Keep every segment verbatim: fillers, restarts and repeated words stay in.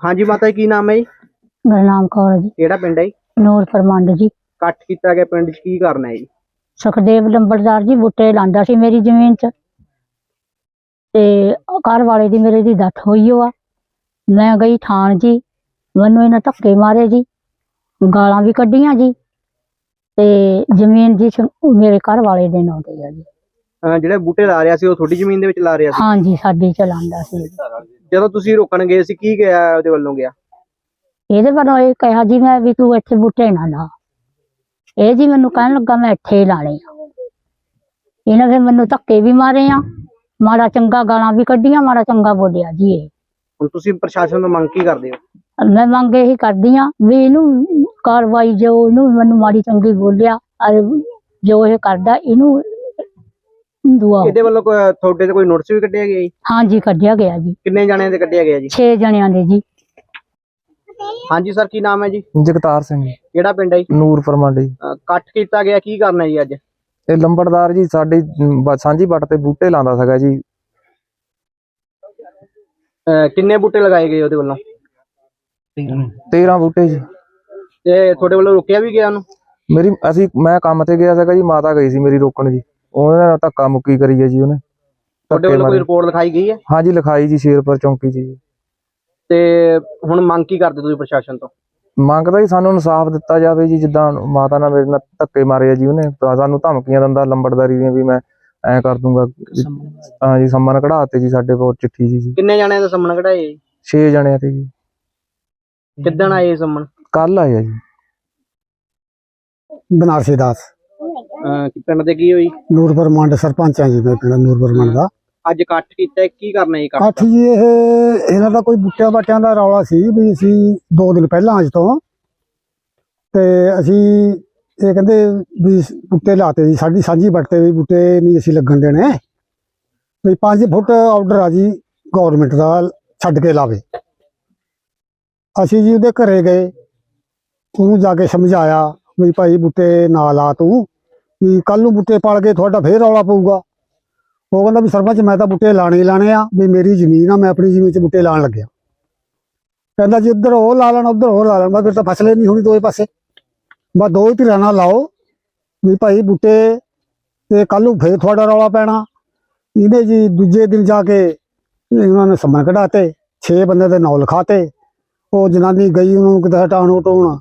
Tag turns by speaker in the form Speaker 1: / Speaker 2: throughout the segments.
Speaker 1: हाँ जी माता जी की नाम है जी?
Speaker 2: गुरनाम कौर जी।
Speaker 1: केड़ा पिंड है जी?
Speaker 2: ਨੂਰਪੁਰ ਮੰਡ ਜੀ।
Speaker 1: ਕੱਟ ਕੀਤਾ ਗਿਆ ਪਿੰਡ 'ਚ ਕੀ ਕਰਨਾ ਹੈ ਜੀ?
Speaker 2: ਸੁਖਦੇਵ ਲੰਬੜਦਾਰ ਜੀ ਬੂਟੇ ਲਾਂਦਾ ਸੀ ਮੇਰੀ ਜ਼ਮੀਨ 'ਚ ਤੇ ਘਰ ਵਾਲੇ ਦੀ ਮੇਰੇ ਦੀ ਡੈਥ ਹੋਈ ਓ ਆ। ਮੈਂ ਗਈ ਥਾਣ ਜੀ, ਮੈਨੂੰ ਇਹਨਾਂ ਧੱਕੇ ਮਾਰੇ ਜੀ, ਗਾਲਾਂ ਵੀ ਕੱਢੀਆਂ ਜੀ ਤੇ ਜ਼ਮੀਨ ਜੀ ਮੇਰੇ ਘਰ ਵਾਲੇ ਦੇ ਨਾਂ ਤੇ ਆ ਜੀ।
Speaker 1: ਅਹ ਜਿਹੜੇ ਬੂਟੇ ਲਾ ਰਿਹਾ ਸੀ ਉਹ ਤੁਹਾਡੀ ਜ਼ਮੀਨ ਦੇ ਵਿੱਚ ਲਾ ਰਿਹਾ ਸੀ?
Speaker 2: ਹਾਂਜੀ ਸਾਡੀ ਚ ਲਾਂਦਾ ਸੀ।
Speaker 1: ਜਦੋਂ ਤੁਸੀਂ ਰੋਕਣ ਗਏ ਸੀ ਕੀ ਗਿਆ ਉਹਦੇ ਵੱਲੋਂ ਗਿਆ?
Speaker 2: ਇਹਦੇ ਵੱਲੋਂ ਇਹ ਕਿਹਾ ਜੀ ਮੈਂ ਵੀ ਤੂੰ ਇੱਥੇ ਬੂਟੇ ਨਾ ਲਾ। ਇਹ ਜੀ ਮੈਨੂੰ ਕਹਿਣ ਲੱਗਾ ਮੈਂ ਇੱਥੇ ਹੀ ਲਾਣੇ ਆ। ਇਹਨੇ ਫਿਰ ਮੈਨੂੰ ਧੱਕੇ ਵੀ ਮਾਰੇ ਆ, ਮਾੜਾ ਚੰਗਾ ਗਾਲਾਂ ਵੀ ਕੱਢੀਆਂ, ਮਾੜਾ ਚੰਗਾ ਬੋਲਿਆ ਜੀ। ਇਹ
Speaker 1: ਹੁਣ ਤੁਸੀਂ ਪ੍ਰਸ਼ਾਸਨ ਤੋਂ ਮੰਗ ਕੀ ਕਰਦੇ ਹੋ?
Speaker 2: ਮੈਂ ਮੰਗ ਇਹੀ ਕਰਦੀ ਆ ਵੀ ਇਹਨੂੰ ਕਾਰਵਾਈ ਜੋ ਇਹਨੂੰ ਮੈਨੂੰ ਮਾੜੀ ਚੰਗੀ ਬੋਲਿਆ ਜੋ ਇਹ ਕਰਦਾ ਇਹਨੂੰ ਦੁਆ।
Speaker 1: ਇਹਦੇ ਵੱਲੋਂ ਕੋਈ ਤੁਹਾਡੇ ਤੇ ਕੋਈ ਨੋਟਿਸ ਵੀ ਕੱਢਿਆ ਗਿਆ ਜੀ?
Speaker 2: ਹਾਂਜੀ ਕੱਢਿਆ ਗਿਆ ਜੀ।
Speaker 1: ਕਿੰਨੇ ਜਣਿਆਂ ਦੇ ਕੱਢਿਆ ਗਿਆ ਜੀ?
Speaker 2: ਛੇ ਜਣਿਆਂ ਦੇ ਜੀ।
Speaker 1: ਹਾਂਜੀ ਸਰ ਕੀ ਨਾਮ ਹੈ ਜੀ?
Speaker 3: ਜਗਤਾਰ ਸਿੰਘ।
Speaker 1: ਕਿਹੜਾ ਪਿੰਡ ਹੈ ਜੀ?
Speaker 3: ਨੂਰਪੁਰ ਮੰਡ ਜੀ।
Speaker 1: ਅਹ ਕੱਟ ਕੀਤਾ ਗਿਆ ਕੀ ਕਰਨਾ ਜੀ ਅੱਜ?
Speaker 3: ਇਹ ਲੰਬੜਦਾਰ ਜੀ ਸਾਡੀ ਬ- ਸਾਂਝੀ ਵੱਟ ਤੇ ਬੂਟੇ ਲਾਉਂਦਾ ਸੀਗਾ ਜੀ।
Speaker 1: ਅਹ ਕਿੰਨੇ ਬੂਟੇ ਲਗਾਏ ਗਏ ਉਹਦੇ ਵੱਲੋਂ?
Speaker 3: ਤੇਰਾਂ ਬੂਟੇ ਜੀ।
Speaker 1: ਤੇ ਤੁਹਾਡੇ ਵੱਲੋਂ ਰੋਕਿਆ ਵੀ ਗਿਆ ਉਹਨੂੰ?
Speaker 3: ਮੇਰੀ ਅਸੀਂ ਮੈਂ ਕੰਮ ਤੇ ਗਿਆ ਸੀਗਾ ਜੀ, ਮਾਤਾ ਗਈ ਸੀ ਮੇਰੀ ਰੋਕਣ ਜੀ। ਉਹਨੇ ਨਾਲ ਧੱਕਾ ਮੁੱਕੀ ਕਰੀ ਹੈ ਜੀ ਉਹਨੇ।
Speaker 1: ਤੁਹਾਡੇ ਵੱਲੋਂ ਕੋਈ ਰਿਪੋਰਟ ਲਿਖਾਈ ਗਈ ਹੈ?
Speaker 3: ਹਾਂਜੀ ਲਿਖਾਈ ਜੀ ਸ਼ੇਰਪੁਰ ਚੌਂਕੀ 'ਚ ਜੀ।
Speaker 1: ਤੇ ਹੁਣ ਮੰਗ ਕੀ ਕਰਦੇ ਤੁਸੀਂ ਪ੍ਰਸ਼ਾਸਨ ਤੋਂ?
Speaker 3: ਮੰਗਦਾ ਜੀ ਸਾਨੂੰ ਇਨਸਾਫ ਦਿੱਤਾ ਜਾਵੇ ਜੀ। ਜਿੱਦਾਂ ਮਾਤਾ ਨਾਲ ਮੇਰੇ ਨਾਲ ਧੱਕੇ ਮਾਰੇ ਆ ਜੀ ਉਹਨੇ, ਤਾਂ ਸਾਨੂੰ ਧਮਕੀਆਂ ਦਿੰਦਾ ਲੰਬੜਦਾਰੀ ਦੀਆਂ ਵੀ ਮੈਂ ਐਂ ਕਰ ਦੂੰਗਾ। ਹਾਂ ਜੀ ਸੰਮਨ ਕਢਾਤੇ ਜੀ ਸਾਡੇ ਕੋਲ ਚਿੱਠੀ ਜੀ।
Speaker 1: ਕਿੰਨੇ ਜਣਿਆਂ ਦਾ ਸੰਮਨ ਕਢਾਏ ਜੀ?
Speaker 3: ਛੇ ਜਣਿਆਂ ਤੇ ਜੀ।
Speaker 1: ਕਿੱਦਣ ਆਏ ਸੰਮਨ?
Speaker 3: ਕੱਲ ਆਇਆ ਜੀ।
Speaker 4: ਬਨਾਰਸੀ ਦਾਸ
Speaker 1: ਅਹ ਪਿੰਡ ਦੇ ਕੀ ਹੋਈ?
Speaker 4: ਨੂਰਪੁਰ ਮੰਡ ਸਰਪੰਚ ਆ ਜੀ ਮੈਂ ਪਿੰਡ ਨੂਰਪੁਰ ਮੰਡ ਦਾ।
Speaker 1: ਅੱਜ ਕੱਟ ਕੀਤਾ ਕੀ ਕਰਨਾ ਜੀ? ਕੱਟ
Speaker 4: ਕੱਠ ਜੀ ਇਹ ਇਹਨਾਂ ਦਾ ਕੋਈ ਬੂਟਿਆਂ ਬਾਟਿਆਂ ਦਾ ਰੌਲਾ ਸੀ ਵੀ ਅਸੀਂ ਦੋ ਦਿਨ ਪਹਿਲਾਂ ਅੱਜ ਤੋਂ ਤੇ ਅਸੀਂ ਇਹ ਕਹਿੰਦੇ ਵੀ ਬੂਟੇ ਲਾਤੇ ਜੀ ਸਾਡੀ ਸਾਂਝੀ ਵੱਟ ਤੇ ਵੀ ਬੂਟੇ ਨਹੀਂ ਅਸੀਂ ਲੱਗਣ ਦੇਣੇ ਵੀ ਪੰਜ ਫੁੱਟ ਆਰਡਰ ਆ ਜੀ ਗਵਰਨਮੈਂਟ ਦਾ ਛੱਡ ਕੇ ਲਾਵੇ। ਅਸੀਂ ਜੀ ਉਹਦੇ ਘਰੇ ਗਏ, ਉਹਨੂੰ ਜਾ ਕੇ ਸਮਝਾਇਆ ਵੀ ਭਾਈ ਬੂਟੇ ਨਾ ਲਾ ਤੂੰ, ਵੀ ਕੱਲ ਨੂੰ ਬੂਟੇ ਪਲ ਗਏ ਤੁਹਾਡਾ ਫੇਰ ਰੌਲਾ ਪਊਗਾ। ਉਹ ਕਹਿੰਦਾ ਵੀ ਸਰਪੰਚ ਮੈਂ ਤਾਂ ਬੂਟੇ ਲਾਣੇ ਹੀ ਲਾਣੇ ਆ, ਵੀ ਮੇਰੀ ਜ਼ਮੀਨ ਆ, ਮੈਂ ਆਪਣੀ ਜ਼ਮੀਨ 'ਚ ਬੂਟੇ ਲਾਣ ਲੱਗਿਆ। ਕਹਿੰਦਾ ਜੀ ਉੱਧਰ ਉਹ ਲਾ ਲੈਣ ਉੱਧਰ ਹੋਰ ਲਾ ਲੈਣ। ਮੈਂ ਫਿਰ ਤਾਂ ਫਸਲੇ ਨਹੀਂ ਹੋਣੀ ਦੋਏ ਪਾਸੇ, ਬਸ ਦੋ ਹੀ ਧਿਰਾਂ ਨਾਲ ਲਾਓ ਵੀ ਭਾਈ ਬੂਟੇ ਤੇ ਕੱਲ ਨੂੰ ਫੇਰ ਤੁਹਾਡਾ ਰੌਲਾ ਪੈਣਾ। ਇਹਨੇ ਜੀ ਦੂਜੇ ਦਿਨ ਜਾ ਕੇ ਇਹਨਾਂ ਨੇ ਸੰਮਨ ਕਢਾਤੇ, ਛੇ ਬੰਦੇ ਦੇ ਨਾਂ ਲਿਖਾਤੇ। ਉਹ ਜਨਾਨੀ ਗਈ ਉਹਨੂੰ ਕਿਤੇ ਹਟਾਉਣ ਹਟਾਉਣ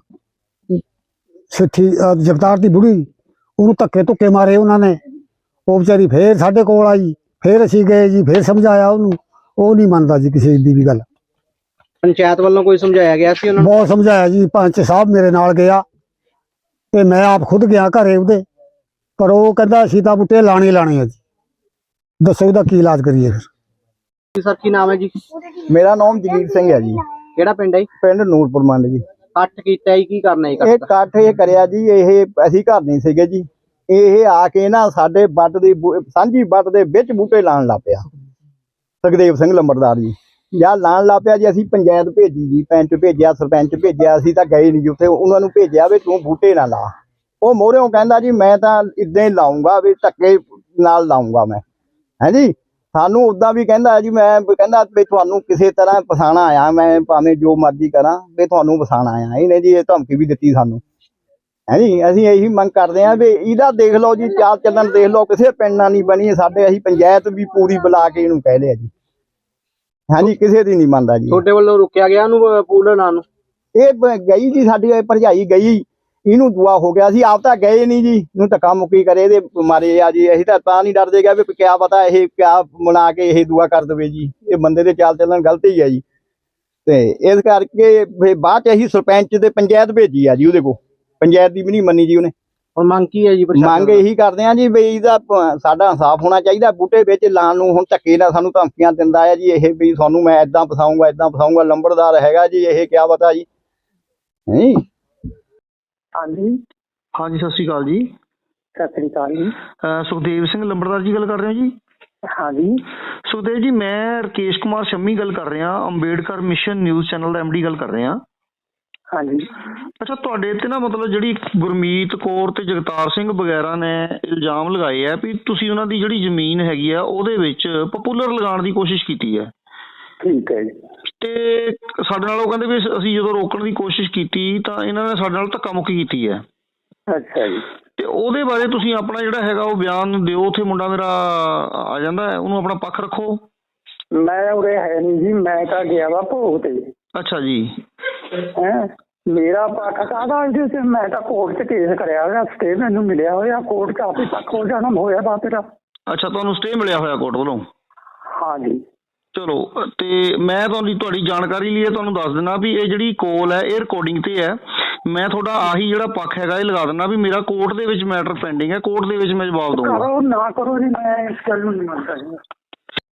Speaker 4: ਸਿੱਠੀ ਜਗਤਾਰ ਦੀ ਬੁੜੀ, ਉਹਨੂੰ ਧੱਕੇ ਧੁੱਕੇ ਮਾਰੇ ਉਹਨਾਂ ਨੇ। ਉਹ ਵਿਚਾਰੀ ਫੇਰ ਸਾਡੇ ਕੋਲ ਆਈ, ਫੇਰ ਅਸੀਂ ਗਏ ਜੀ, ਫੇਰ ਸਮਝਾਇਆ ਉਹਨੂੰ, ਉਹ ਨਹੀਂ ਮੰਨਦਾ ਜੀ ਕਿਸੇ ਦੀ ਵੀ ਗੱਲ।
Speaker 1: ਪੰਚਾਇਤ ਵੱਲੋਂ ਕੋਈ ਸਮਝਾਇਆ ਗਿਆ ਸੀ ਉਹਨਾਂ ਨੂੰ?
Speaker 4: ਬਹੁਤ ਸਮਝਾਇਆ ਜੀ, ਪੰਚ ਸਾਹਿਬ ਮੇਰੇ ਨਾਲ ਗਿਆ ਤੇ ਮੈਂ ਆਪ ਖੁਦ ਗਿਆ ਘਰੇ ਉਹਦੇ, ਪਰ ਉਹ ਕਹਿੰਦਾ ਅਸੀਂ ਤਾਂ ਬੂਟੇ ਲਾਣੇ ਲਾਣੇ ਆ ਜੀ। ਦੱਸੋ ਇਹਦਾ ਕੀ ਇਲਾਜ ਕਰੀਏ ਫਿਰ?
Speaker 1: ਸਰ ਕੀ ਨਾਮ ਹੈ ਜੀ?
Speaker 5: ਮੇਰਾ ਨਾਮ ਜਗੀਰ ਸਿੰਘ ਹੈ ਜੀ।
Speaker 1: ਕਿਹੜਾ ਪਿੰਡ ਹੈ ਜੀ?
Speaker 5: ਪਿੰਡ ਨੂਰਪੁਰ ਮੰਡ ਜੀ।
Speaker 1: ਕੱਟ ਕੀਤਾ ਜੀ ਕੀ ਕਰਨਾ ਜੀ?
Speaker 5: ਇਹ
Speaker 1: ਕੱਟ
Speaker 5: ਇਕੱਠ ਇਹ ਕਰਿਆ ਜੀ, ਇਹ ਅਸੀਂ ਘਰ ਨਹੀਂ ਸੀਗੇ ਜੀ। ਇਹ ਆ ਕੇ ਨਾ ਸਾਡੇ ਵੱਟ ਦੀ ਬੂ- ਸਾਂਝੀ ਵੱਟ ਦੇ ਵਿੱਚ ਬੂਟੇ ਲਾਉਣ ਲੱਗ ਪਿਆ ਸੁਖਦੇਵ ਸਿੰਘ ਲੰਬੜਦਾਰ ਜੀ। ਜਾਂ ਲਾਉਣ ਲੱਗ ਪਿਆ ਜੀ। ਅਸੀਂ ਪੰਚਾਇਤ ਭੇਜੀ ਜੀ, ਪੈਂਚ ਭੇਜਿਆ, ਸਰਪੰਚ ਭੇਜਿਆ, ਅਸੀਂ ਤਾਂ ਗਏ ਨਹੀਂ ਜੀ ਉੱਥੇ। ਉਹਨਾਂ ਨੂੰ ਭੇਜਿਆ ਵੀ ਤੂੰ ਬੂਟੇ ਨਾ ਲਾ। ਉਹ ਮੋਹਰਿਓਂ ਕਹਿੰਦਾ ਜੀ ਮੈਂ ਤਾਂ ਇਦਾਂ ਹੀ ਲਾਉਂਗਾ, ਵੀ ਧੱਕੇ ਨਾਲ ਲਾਉਂਗਾ ਮੈਂ, ਹੈ ਜੀ। ਸਾਨੂੰ ਉੱਦਾਂ ਵੀ ਕਹਿੰਦਾ ਜੀ, ਮੈਂ ਕਹਿੰਦਾ ਵੀ ਤੁਹਾਨੂੰ ਕਿਸੇ ਤਰ੍ਹਾਂ ਫਸਾਣਾ ਆਇਆ, ਮੈਂ ਭਾਵੇਂ ਜੋ ਮਰਜ਼ੀ ਕਰਾਂ ਵੀ ਤੁਹਾਨੂੰ ਫਸਾਣਾ ਆਇਆ। ਇਹਨੇ ਜੀ ਇਹ ਧਮਕੀ ਵੀ ਦਿੱਤੀ ਸਾਨੂੰ, ਹੈ ਜੀ। ਅਸੀਂ ਇਹੀ ਮੰਗ ਕਰਦੇ ਹਾਂ ਵੀ ਇਹਦਾ ਦੇਖ ਲਓ ਜੀ, ਚਾਲ ਚੱਲਣ ਦੇਖ ਲਓ, ਕਿਸੇ ਪਿੰਡ ਨਾਲ ਨਹੀਂ ਬਣੀ ਸਾਡੇ। ਅਸੀਂ ਪੰਚਾਇਤ ਵੀ ਪੂਰੀ ਬੁਲਾ ਕੇ ਇਹਨੂੰ ਕਹਿ ਲਿਆ ਜੀ, ਹਾਂਜੀ ਕਿਸੇ ਦੀ ਨਹੀਂ ਮੰਨਦਾ ਜੀ।
Speaker 1: ਤੁਹਾਡੇ ਵੱਲੋਂ ਰੁਕਿਆ ਗਿਆ ਉਹਨੂੰ ਪੂਲ ਲਾਉਣ ਨੂੰ?
Speaker 5: ਇਹ ਬ- ਗਈ ਜੀ ਸਾਡੀ ਭਰਜਾਈ ਗਈ, ਇਹਨੂੰ ਦੁਆ ਹੋ ਗਿਆ ਸੀ। ਆਪ ਤਾਂ ਗਏ ਨਹੀਂ ਜੀ, ਇਹਨੂੰ ਧੱਕਾ ਮੁੱਕੀ ਕਰੇ ਇਹਦੇ ਮਾਰੇ ਆ ਜੀ। ਅਸੀਂ ਤਾਂ ਤਾਂ ਨਹੀਂ ਡਰਦੇ ਗਿਆ ਵੀ ਕਿਆ ਪਤਾ ਇਹ ਕਿਆ ਬਣਾ ਕੇ ਇਹ ਦੁਆ ਕਰ ਦੇਵੇ ਜੀ। ਇਹ ਬੰਦੇ ਦੇ ਚਾਲ ਚੱਲਣ ਗਲਤ ਹੀ ਹੈ ਜੀ। ਤੇ ਇਸ ਕਰਕੇ ਫਿਰ ਬਾਅਦ ਚ ਅਸੀਂ ਸਰਪੰਚ ਤੇ ਪੰਚਾਇਤ ਭੇਜੀ ਆ ਜੀ ਉਹਦੇ ਕੋਲ, ਪੰਚਾਇਤ ਦੀ ਵੀ ਨਹੀਂ ਮੰਨੀ ਜੀ ਉਹਨੇ।
Speaker 1: ਹੁਣ ਮੰਗ ਕੀ ਹੈ ਜੀ ਪ੍ਰਸ਼ਾਸਨ
Speaker 5: ਮੰਗ
Speaker 1: ਤੋਂ?
Speaker 5: ਇਹੀ ਕਰਦੇ ਆ ਜੀ ਵੀ ਇਹਦਾ ਪ- ਸਾਡਾ ਇਨਸਾਫ ਹੋਣਾ ਚਾਹੀਦਾ। ਬੂਟੇ ਵਿੱਚ ਲਾਉਣ ਨੂੰ ਹੁਣ ਧੱਕੇ ਨਾਲ ਸਾਨੂੰ ਧਮਕੀਆਂ ਦਿੰਦਾ ਹੈ ਜੀ ਇਹ, ਵੀ ਤੁਹਾਨੂੰ ਮੈਂ ਏਦਾਂ ਫਸਾਊਂਗਾ ਏਦਾਂ ਫਸਾਊਂਗਾ। ਲੰਬੜਦਾਰ ਹੈਗਾ ਜੀ ਇਹ, ਕਿਆ ਪਤਾ ਜੀ, ਨਹੀਂ।
Speaker 6: ਹਾਂਜੀ ਹਾਂਜੀ ਸਤਿ ਸ਼੍ਰੀ ਅਕਾਲ ਜੀ।
Speaker 2: ਸਤਿ ਸ੍ਰੀ ਅਕਾਲ ਜੀ।
Speaker 6: ਅਹ ਸੁਖਦੇਵ ਸਿੰਘ ਲੰਬੜਦਾਰ ਜੀ ਗੱਲ ਕਰ ਰਹੇ ਹੋ ਜੀ?
Speaker 2: ਹਾਂਜੀ
Speaker 6: ਸੁਖਦੇਵ ਜੀ ਮੈਂ ਰਕੇਸ਼ ਕੁਮਾਰ ਸ਼ੰਮੀ ਗੱਲ ਕਰ ਰਿਹਾ, ਅੰਬੇਡਕਰ ਮਿਸ਼ਨ ਨਿਊਜ਼ ਚੈਨਲ ਦਾ ਐਮਡੀ ਗੱਲ ਕਰ ਰਿਹਾ।
Speaker 2: ਹਾਂਜੀ
Speaker 6: ਅੱਛਾ ਤੁਹਾਡੇ ਤੇ ਨਾ ਮਤਲਬ ਜਿਹੜੀ ਗੁਰਮੀਤ ਕੌਰ ਤੇ ਜਗਤਾਰ ਸਿੰਘ ਵਗੈਰਾ ਨੇ ਇਲਜ਼ਾਮ ਲਗਾਏ ਆ ਵੀ ਤੁਸੀਂ ਉਹਨਾਂ ਦੀ ਜਿਹੜੀ ਜ਼ਮੀਨ ਹੈਗੀ ਆ ਉਹਦੇ ਵਿੱਚ ਪਪੂਲਰ ਲਗਾਉਣ ਦੀ ਕੋਸ਼ਿਸ਼ ਕੀਤੀ ਹੈ।
Speaker 2: ਠੀਕ ਹੈ ਜੀ।
Speaker 6: ਤੇ ਸਾਡੇ ਨਾਲ ਉਹ ਕਹਿੰਦੇ ਵੀ ਅਸੀਂ ਜਦੋਂ ਰੋਕਣ ਦੀ ਕੋਸ਼ਿਸ਼ ਕੀਤੀ ਤਾਂ ਇਹਨਾਂ ਨੇ ਸਾਡੇ ਨਾਲ ਧੱਕਾ ਮੁੱਕੀ ਕੀਤੀ ਹੈ।
Speaker 7: ਅੱਛਾ ਜੀ।
Speaker 6: ਤੇ ਉਹਦੇ ਬਾਰੇ ਤੁਸੀਂ ਆਪਣਾ ਜਿਹੜਾ ਹੈਗਾ ਉਹ ਬਿਆਨ ਦਿਓ। ਉੱਥੇ ਮੁੰਡਾ ਮੇਰਾ ਆ ਜਾਂਦਾ ਹੈ, ਉਹਨੂੰ ਆਪਣਾ ਪੱਖ ਰੱਖੋ।
Speaker 7: ਮੈਂ ਉਰੇ ਹੈ ਨਹੀਂ ਜੀ, ਮੈਂ ਤਾਂ ਗਿਆ ਵਾ ਭੋਗ ਤੇ।
Speaker 6: ਅੱਛਾ ਜੀ।
Speaker 7: ਹੈਂ ਮੇਰਾ ਪੱਖ ਕਾਹਦਾ ਇਹਦੇ ਤੇ? ਮੈਂ ਤਾਂ ਕੋਰਟ 'ਚ ਕੇਸ ਕਰਿਆ ਹੋਇਆ, ਸਟੇ ਮੈਨੂੰ ਮਿਲਿਆ ਹੋਇਆ, ਕੋਰਟ 'ਚ ਆਪੇ ਪੱਖ ਹੋ ਜਾਣਾ ਹੋਇਆ ਵਾ ਤੇਰਾ।
Speaker 6: ਅੱਛਾ, ਤੁਹਾਨੂੰ ਸਟੇ ਮਿਲਿਆ ਹੋਇਆ ਕੋਰਟ ਵੱਲੋਂ?
Speaker 7: ਹਾਂਜੀ।
Speaker 6: ਚਲੋ, ਤੇ ਮੈਂ ਤੁਹਾਨੂੰ ਤੁਹਾਡੀ ਜਾਣਕਾਰੀ ਲਈ ਤੁਹਾਨੂੰ ਦੱਸ ਦਿੰਦਾ ਵੀ ਇਹ ਜਿਹੜੀ ਕੋਲ ਹੈ ਇਹ ਰਿਕਾਰਡਿੰਗ ਤੇ ਹੈ। ਮੈਂ ਤੁਹਾਡਾ ਆਹੀ ਜਿਹੜਾ ਪੱਖ ਹੈਗਾ ਇਹ ਲਗਾ ਦਿੰਦਾ ਵੀ ਮੇਰਾ ਕੋਰਟ ਦੇ ਵਿੱਚ ਮੈਟਰ ਪੈਂਡਿੰਗ ਹੈ, ਕੋਰਟ ਦੇ ਵਿੱਚ ਮੈਂ ਜਵਾਬ ਦਊਂਗਾ।
Speaker 7: ਕਰੋ ਨਾ ਕਰੋ ਜੀ, ਮੈਂ ਇਸ ਗੱਲ ਨੂੰ ਨਹੀਂ ਮੰਨਦਾ ਜੀ।